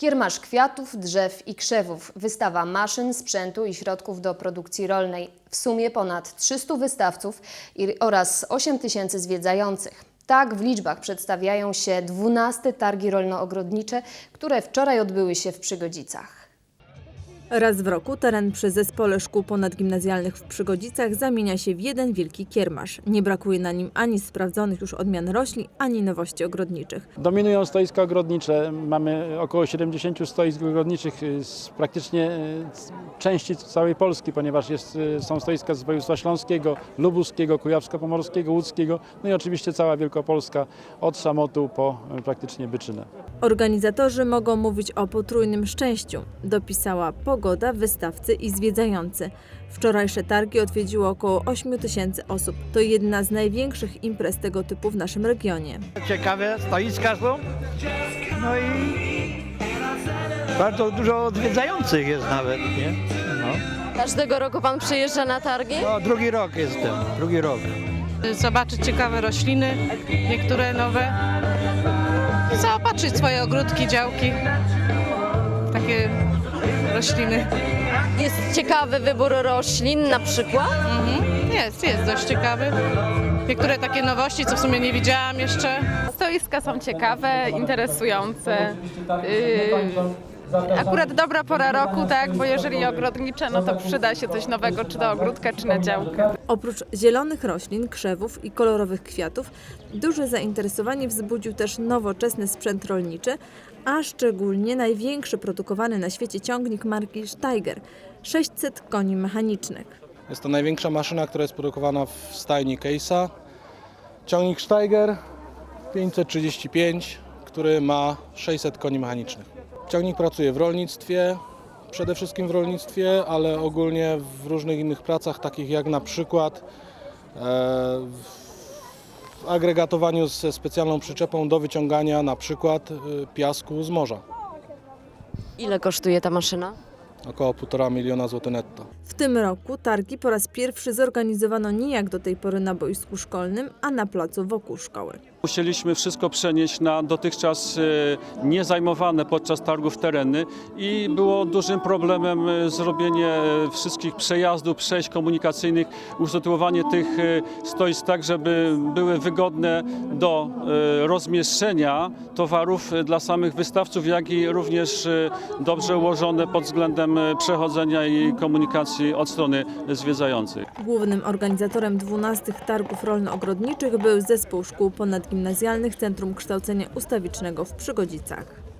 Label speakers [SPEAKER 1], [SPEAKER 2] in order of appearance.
[SPEAKER 1] Kiermasz kwiatów, drzew i krzewów, wystawa maszyn, sprzętu i środków do produkcji rolnej. W sumie ponad 300 wystawców oraz 8 tysięcy zwiedzających. Tak w liczbach przedstawiają się 12 targi rolno-ogrodnicze, które wczoraj odbyły się w Przygodzicach.
[SPEAKER 2] Raz w roku teren przy Zespole Szkół Ponadgimnazjalnych w Przygodzicach zamienia się w jeden wielki kiermasz. Nie brakuje na nim ani sprawdzonych już odmian roślin, ani nowości ogrodniczych.
[SPEAKER 3] Dominują stoiska ogrodnicze. Mamy około 70 stoisk ogrodniczych z praktycznie części całej Polski, ponieważ są stoiska z województwa śląskiego, lubuskiego, kujawsko-pomorskiego, łódzkiego, no i oczywiście cała Wielkopolska od Szamotu po praktycznie Byczynę.
[SPEAKER 2] Organizatorzy mogą mówić o potrójnym szczęściu, dopisała pogoda, wystawcy i zwiedzający. Wczorajsze targi odwiedziło około 8 tysięcy osób. To jedna z największych imprez tego typu w naszym regionie.
[SPEAKER 4] Ciekawe stoiska są, no i bardzo dużo odwiedzających jest nawet, nie? No.
[SPEAKER 5] Każdego roku pan przyjeżdża na targi?
[SPEAKER 4] No, drugi rok jestem, drugi rok.
[SPEAKER 6] Zobaczyć ciekawe rośliny, niektóre nowe. Zaopatrzyć swoje ogródki, działki, takie rośliny.
[SPEAKER 5] Jest ciekawy wybór roślin na przykład?
[SPEAKER 6] Jest dość ciekawy. Niektóre takie nowości, co w sumie nie widziałam jeszcze.
[SPEAKER 7] Stoiska są ciekawe, interesujące. Akurat dobra pora roku, tak, bo jeżeli ogrodnicze, no to przyda się coś nowego, czy do ogródka, czy na działkę.
[SPEAKER 2] Oprócz zielonych roślin, krzewów i kolorowych kwiatów, duże zainteresowanie wzbudził też nowoczesny sprzęt rolniczy, a szczególnie największy produkowany na świecie ciągnik marki Steiger – 600 koni mechanicznych.
[SPEAKER 8] Jest to największa maszyna, która jest produkowana w stajni Case'a. Ciągnik Steiger 535, który ma 600 koni mechanicznych. Ciągnik pracuje w rolnictwie, przede wszystkim w rolnictwie, ale ogólnie w różnych innych pracach, takich jak na przykład w agregatowaniu ze specjalną przyczepą do wyciągania na przykład piasku z morza.
[SPEAKER 5] Ile kosztuje ta maszyna?
[SPEAKER 8] Około 1,5 miliona złotych netto.
[SPEAKER 2] W tym roku targi po raz pierwszy zorganizowano nie jak do tej pory na boisku szkolnym, a na placu wokół szkoły.
[SPEAKER 9] Musieliśmy wszystko przenieść na dotychczas niezajmowane podczas targów tereny i było dużym problemem zrobienie wszystkich przejazdów, przejść komunikacyjnych, usytuowanie tych stoisk tak, żeby były wygodne do rozmieszczenia towarów dla samych wystawców, jak i również dobrze ułożone pod względem przechodzenia i komunikacji od strony zwiedzających.
[SPEAKER 2] Głównym organizatorem 12 targów rolno-ogrodniczych był Zespół Szkół Ponadgimnazjalnych Centrum Kształcenia Ustawicznego w Przygodzicach.